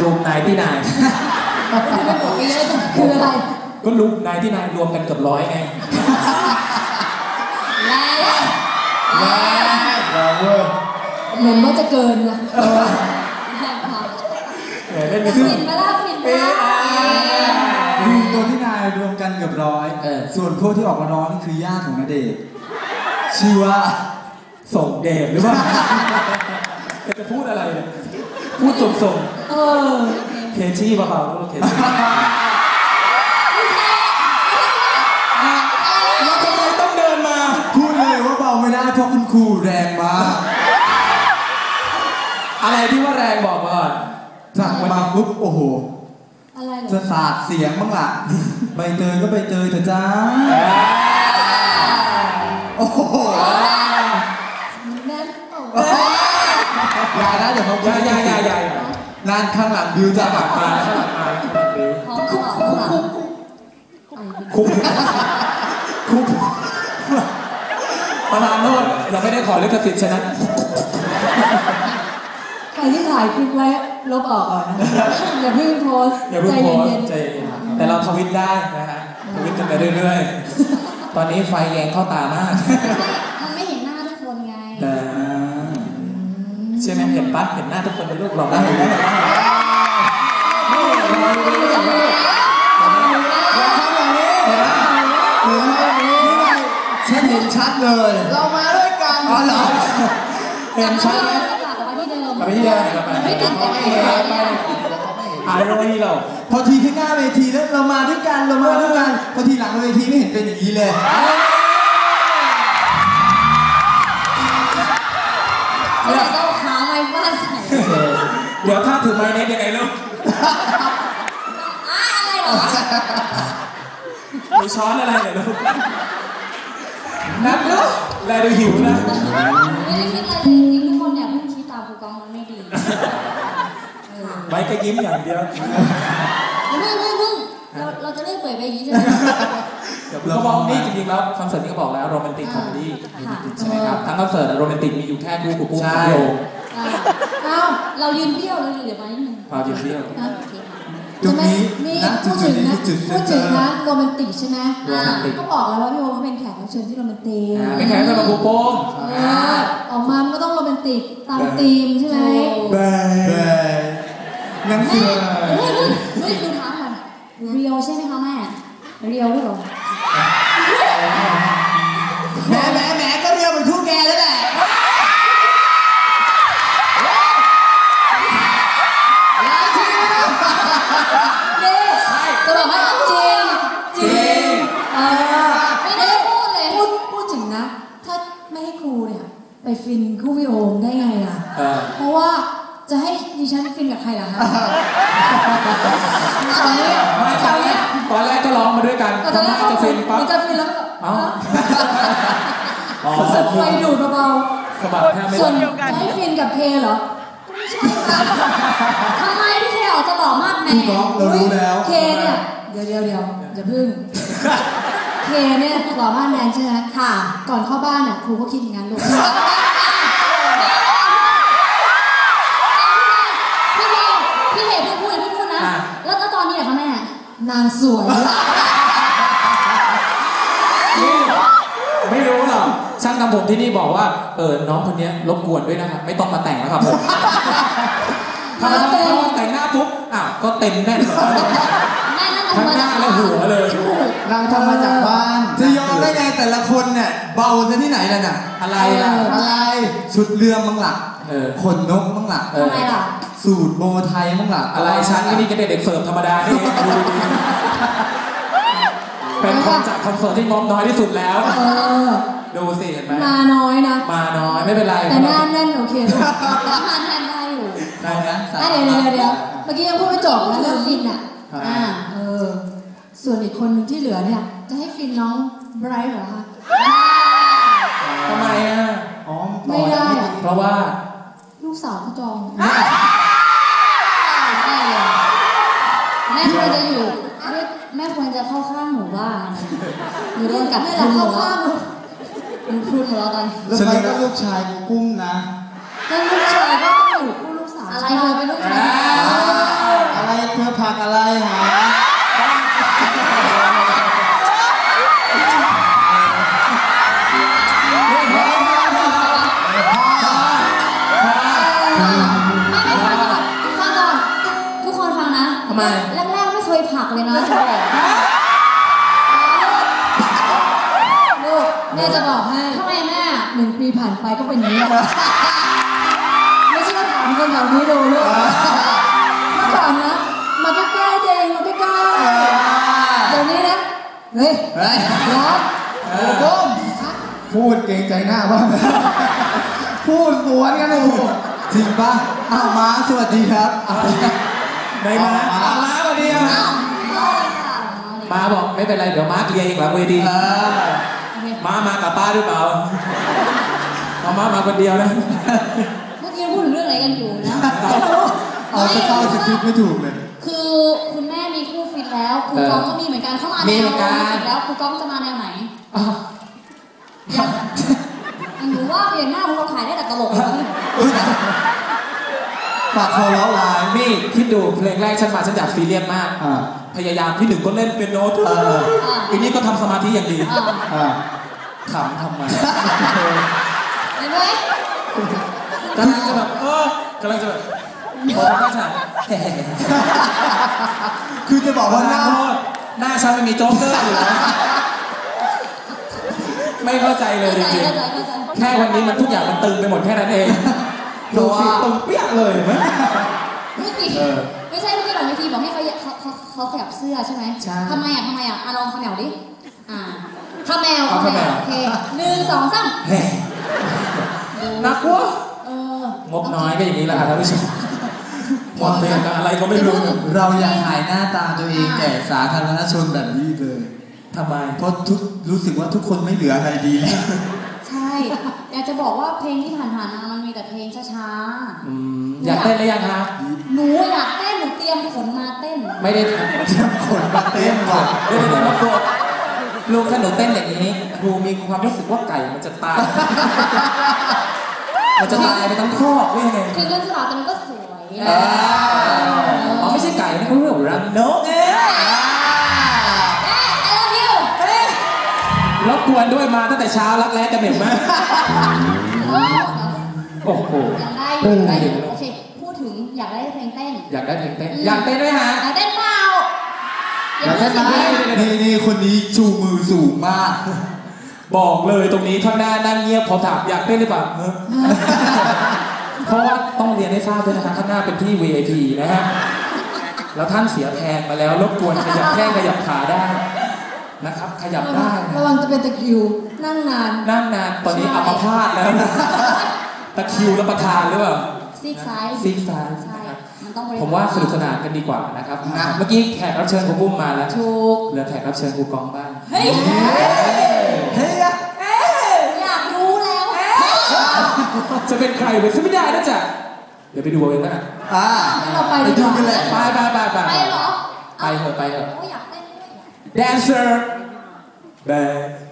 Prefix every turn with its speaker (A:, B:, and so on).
A: รูมนายที่นาย
B: คืออะไร
A: ก็รูมนายที่นายรวมกันเกือบ100ไง
B: เหมือนว่าจะเกินนะ
A: เล่น
B: ฟินมาล่าฟินมา
C: คือตัวที่นายรวมกันเกือบ100ส่วนพวกที่ออกมาร้องนี่คือญาติของณเดชน์ชื่อว่า
A: ส่งเดชหรือว่าจะพูดอะไรเนี่ยพูดส่งเคชี่เบาๆลูกเคชี่แล้วทำไมต้องเดินมา
C: พูดเลยว่าเบาไม่ได้เพราะคุณครูแรงมาก
A: อะไรที่ว่าแรงบอกมาก่อน
C: สั่งมาปุ๊บโอ้โห
B: อะไร
C: จะสาดเสียงบ้างล่ะใบเตยก็ใบเตยเถอะจ้าโอ้โหอย่านะเดี๋ยวเขา
A: อย่า
C: นั่นข้างหลังบิวจะแบบมา
A: คุกประธานโทษเราไม่ได้ขอลิขสิทธิ์ฉะนั้น
B: ใครที่ถ่ายคลิปไว้ลบออกก่อนนะอย่าเพิ่งโพสใจเย็น
A: ๆแต่เราทวิตได้นะฮะทวิตกันไปเรื่อยๆตอนนี้ไฟแยงเข้าตามาก
B: มันไม่เห็นหน้าทุกคนไง
A: ใช่ไหมเห็นปั๊บเห็นหน้าทุกคนในรูปเราได้เห็นไหม
C: ฉันเห็นชัดเลย
B: เรามาด้วยกัน
C: อ๋อเหรอ
A: เห็นชัดไหมกลับไปที่เดิม
B: ไม่ติดแต่
A: อะไรเรา
C: พอทีข้างหน้าเวทีแล้วเรามาด้วยกันพอทีหลังเวทีไม่เห็นเป็นอย่างนี้เลย
B: เราต้องขาไม้ฟาดใส่
A: เดี๋ยวถ้าถือไม้เน็ตยังไงลูก
B: อะไรหรอ
A: มีช้อนอะไรเหรอลูกนับลูกแลดูหิวนะ
B: ไม่ได้คิดอะไรจริงทุกคนเนี่ยเพิ่งคิดตามครูกองมันไม่ดี
A: ไว้ก็ยิ้มอย่างเดียว
B: เราจะเล่นเปิดไปอย่างนี้ใช่ไหม
A: เราบอกนี่จริงๆแล้วคอนเสิร์ตนี้ก็บอกแล้วโรแมนติกคอมเมดี้ใช่ไหมครับทั้งคอนเสิร์ตโรแมนติกมีอยู่แค่คู่กูใช่
B: เรายืนเบี้ยวเราเดี๋ยวมานิดนึง
A: เรายืนเบี้ยว
C: ตรงนี้
B: พูดถึงนะโรแมนติกใช่ไหมก็บอกแล้วว่าพี่โอมเป็นแขกรับเชิญที่โรแมนติก
A: เป็นแขกรับเชิญของครูโป้ง
B: ออกมาก็ต้องโรแมนติกตามธีมใช่ไหม
C: งั้นคือ
B: ดูท้ามันเรียวใช่ไหมคะแม่เรียวหรือเปล่า
C: แหมก็เรียวเหมือนคู่แกแล้วแหละ
B: จะบอกว่าจริงไม่ได้พูดเลยพูดถึงนะถ้าไม่ให้ครูเนี่ยไปฟินคู่พี่โอมได้ไงล่ะเพราะว่าจะให้ดิฉันฟินกับใครล่ะฮะตอน
A: แรกก็ร้องมาด้วยกัน
B: ตอนแรก
A: จะฟินปั๊บ
B: จะฟินแล้วสดไฟดูดเบาๆส่วนจะให้ฟินกับเพเหรอไม่ใช่ค่ะทำไมพี่เคออกจะหล่อมากแม่
C: เรารู้แล้ว
B: เคเนี่ยเดี๋ยวอย่าพึ่งเคเนี่ยหล่อมากแมนใช่ไหมค่ะก่อนเข้าบ้านน่ะครูก็คิดอย่างนั้นลูกพี่เคพูดนะแล้วตอนนี้อะคะแม่นางสวย
A: ไม่รู้หรอกช่างทำผมที่นี่บอกว่าน้องคนนี้รบกวนด้วยนะครับไม่ต้องมาแต่งแล้วครับผมถ้าแต่งหน้าปุ๊บก็เต็มแน่นเลยทั้งหน้าและหัวเลย
C: เราทำมาจากบ้านจะยอมได้ไงแต่ละคนเนี่ยเบาซะที่ไหนล่ะน่ะ
A: อะไรล่ะ
C: อะไรชุดเรือมั้งล่ะขนนกมั้งล่ะ
B: ทำไมล่ะ
C: สูตรโบไทยมั้งล่ะ
A: อะไรฉันนี่ก็เด็กเสิร์ฟธรรมดานี่เป็นคอนเสิร์ตที่งบน้อยที่สุดแล้วดูสิเห็นไหม
B: มาน้อยนะ
A: มาน้อยไม่เป็นไร
B: แต่หน้าแน่นโอเคมาแน่นได้อยู่
A: ได้นะ
B: เดี๋ยวเมื่อกี้ยังพูดไม่จบนะเรื่องฟินอ่ะส่วนอีกคนหนึ่งที่เหลือเนี่ยจะให้ฟินน้องไบรท์เหรอคะ
A: ทำไม
B: ไม่ได้
A: เพราะว่า
B: ลูกสาวเขาจองแม่ควรจะอยู่แม่ควรจะเข้าข้างหนูบ้างหนูโดนกัดไม่หลับเข้าข้างหนูพรุนหมดแล้วตอน
C: แล้วไปก็ลูกชายกุ้มนะ
B: แล้วลูกชายก็ต้องอยู่คู่ลูกสาวอะไรเลยเป็นลูกชาย
C: ผักอะไรหา
A: ทำไม
B: แรกๆไม่เคยผลักเลยนะจะบอกลูกแม่จะบอกให้ทำไมแม่1 ปีผ่านไปก็เป็นอย่างนี้แล้วไม่ใช่ว่าถามคนแถวนี้ดูลูกมาถามนะมาใกล้ๆเองมาใกล้ๆเดี๋ยวนี้นะเฮ้ยร้อน
C: ก้มพูดเกรงใจหน้าบ้างพูดสวนกันโอ้จริงป่ะม้าสวัสดีครับ
A: ไหนมาม้าสวัสดีครับม้าบอกไม่เป็นไรเดี๋ยวม้าเคลียร์เองหลังเวทีม้ากับป้าหรือเปล่าเอาม้ามาคนเดียวนะ
B: เมื่อกี้พูดถึงเรื่องอะไรกันอยู่นะ
C: เอาจะเข้าสคริปต์ไม่ถูกเลย
B: คือคุณแม่มีคู่ฟิตแล้วครูก้องก็มีเหมือนกันเข้ามาแนวฟิตแล้วครูก้องจะมาแนวไหนอย่างหนูว่าเปลี่ยนหน้าครูก้องขายได้แต่ตลก
C: ปากคอล้อลาย
A: นี่คิดดูเพลงแรกฉันมาฉันอยากซีเรียสมากพยายามที่1ก็เล่นเป็นโน้ตอีนี้ก็ทำสมาธิอย่างดีขำทำไม
B: เห็นไหม
A: กำลังจะแบบกำลังจะแบบพอทำฉาก
C: คือจะบอกว่า
A: หน้าฉันไม่มีโจ๊กเกอร์อยู่นะไม่เข้าใจเลยจริงๆแค่วันนี้มันทุกอย่างมันตึงไปหมดแค่นั้นเองดูสิตึงเปี้ยเลยไหม
B: ไม่ใช่เมื่อกี้หลังเวทีบอกให้เขาขยับเสื้อใช่ไหมทำไมอ่ะลองขยับดิข้าแมวโอเค1 2 3
A: นักวะงบน้อยก็อย่างนี้แหละครับท่านผู้ชมหมดเพลงกับอะไรก็ไม่รู้
C: เราอยากถ่ายหน้าตาตัวเองแก่สาธารณชนแบบนี้เลย
A: ทำไม
C: เพราะรู้สึกว่าทุกคนไม่เหลืออะไรดี
B: ใช่อยากจะบอกว่าเพลงที่ผ่านๆมามันมีแต่เพลงช้า
A: ๆอยากเต้นหรือยังคะ
B: หนูอยากเต้นหนูเตรียมขนมาเต้น
A: ไม่ได้เตรียมขนมาเต้นหรอกเดี๋ยวมาตัวลูกถ้าหนูเต้นอย่างนี้ครูมีความรู้สึกว่าไก่มันจะตายมันจะตายไปทั้งคอกเลยไง
B: คือเรื่องสาวแต่มันก็สวย
A: ไม่ใช่ไก่นะเขาเรียกรังนกรบกวนด้วยมาตั้งแต่เช้ารักแร้จะเหม็นมากโอ้โห
B: ยังได้อยู่โอเคพูดถึงอยากได้เพลงเต้น
A: อยากได้เพลงเต้นอยากเต้นด้วยฮะ
B: อยากเต้นเปล่า
C: อยากเต้นไหมนี่คนนี้ชูมือสูงมาก
A: บอกเลยตรงนี้ข้างหน้านั่งเงียบพอถามอยากเต้นหรือเปล่าเพราะว่าต้องเรียนให้ทราบด้วยนะคะข้างหน้าเป็นที่ VIP นะฮะแล้วท่านเสียแพงมาแล้วรบกวนขยับแข้งขยับขาได้นะครับขยับได้
B: ระวังจะเป็นตะคริวนั่งนาน
A: ตอนนี้อัมพาตแล้วตะคริวรับประทานหรือเปล่า
B: ซีกซ้าย
A: ใช่ผมว่าสนุกสนานกันดีกว่านะครับเมื่อกี้แขกรับเชิญครูปุ้มมาแล้ว
B: ถูก
A: เหลือแขกรับเชิญครูกองบ้าง
B: เฮ้ยอยากรู้แล้ว
A: จะเป็นใครไปซะไม่ได้นะจ๊ะเดี๋ยวไปดูเอาเองนะ
B: เราไป
C: ดูกันเลย
B: ไปเหรอ
A: ไปเถอะ
B: อยากเต้นด้วย
A: dancer bad